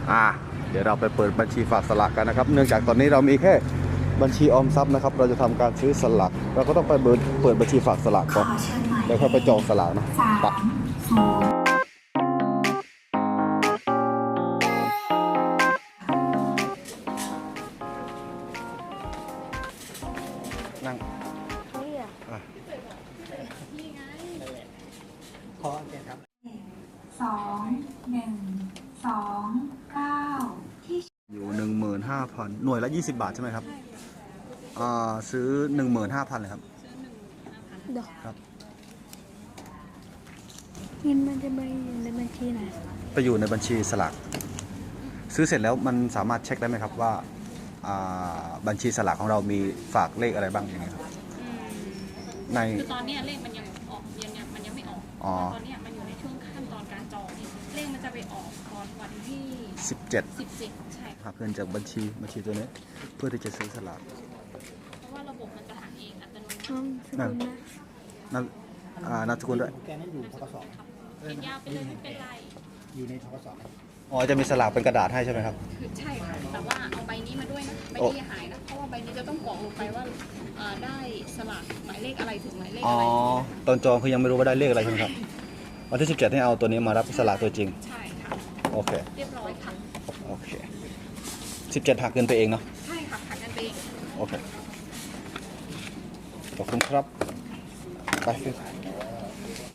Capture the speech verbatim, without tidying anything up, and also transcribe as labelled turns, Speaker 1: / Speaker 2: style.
Speaker 1: อ่าเดี๋ยวเราไปเปิดบัญชีฝากสลากกันนะครับเนื่องจากตอนนี้เรามีแค่บัญชีออมทรัพย์นะครับเราจะทำการซื้อสลากเราก็ต้องไปเปิดเปิดบัญชีฝากสลากก่อนแล้วค่อยไปจองสลากนะปะนั่งอ่ะ
Speaker 2: พอโอเคครับ
Speaker 3: สองหนึ่งสองเก้าที่
Speaker 1: อยู่หนึ่งหมื่นห้าพันหน่วยละยี่สิบบาทใช่ไหมครับอ่าซื้อหนึ่งหมื่นห้าพันเลยครับ
Speaker 4: เดี๋ยว
Speaker 1: ครับ
Speaker 4: เงินมันจะไปอยู่ในบัญชีไหน
Speaker 1: ไปอยู่ในบัญชีสลากซื้อเสร็จแล้วมันสามารถเช็คได้ไหมครับว่าบัญชีสลากของเรามีฝากเลขอะไรบ้างอย่างเงี้ยครับใน
Speaker 5: คือตอนนี้เลขมันยังออกยังยังมันยังไม่ออกตอนนี้มันอยู่ในช่วงขั้นตอนการจองเลขมันจะไปออกตอนวันที่
Speaker 1: สิบเจ็ด
Speaker 5: สิบเจ็ดใช่
Speaker 1: หักเงินจากบัญชีบัญชีตัวนี้เพื่อที่จะซื้อสลาก
Speaker 5: เพราะว่าระบบมันจะหักเองอัตโน
Speaker 4: มัติ
Speaker 1: นั่นนามสกุลด้วย
Speaker 2: แกนั่นอยู่ทกศ
Speaker 5: เขียนยาวไปเลยไม่เป็นไร
Speaker 2: อยู่ในทกศ
Speaker 1: อ๋อจะมีสลากเป็นกระดาษให้ใช่ไหมครับ
Speaker 5: คือใช่ค่ะแต่ว่าเอาใบนี้มาด้วยนะใบนี้อย่าหายนะเพราะว่าใบนี้จะต้องกรอกลงไปว่าได้สลากหมายเลขอะไรถึงหมายเลขอะไร
Speaker 1: อ๋อตอนจองคือยังไม่รู้ว่าได้เลขอะไรใช่ไหมครับวันที่สิบเจ็ดให้เอาตัวนี้มารับสลากตัวจริง
Speaker 5: ใช่ค่ะ
Speaker 1: โอเค
Speaker 5: เรียบร้อยค่ะ
Speaker 1: โอเคสิบเจ็ดหักเงินไปเองเนาะ
Speaker 5: ใช่ค่ะหักเงินไปเอง
Speaker 1: โอเคขอบคุณครับไป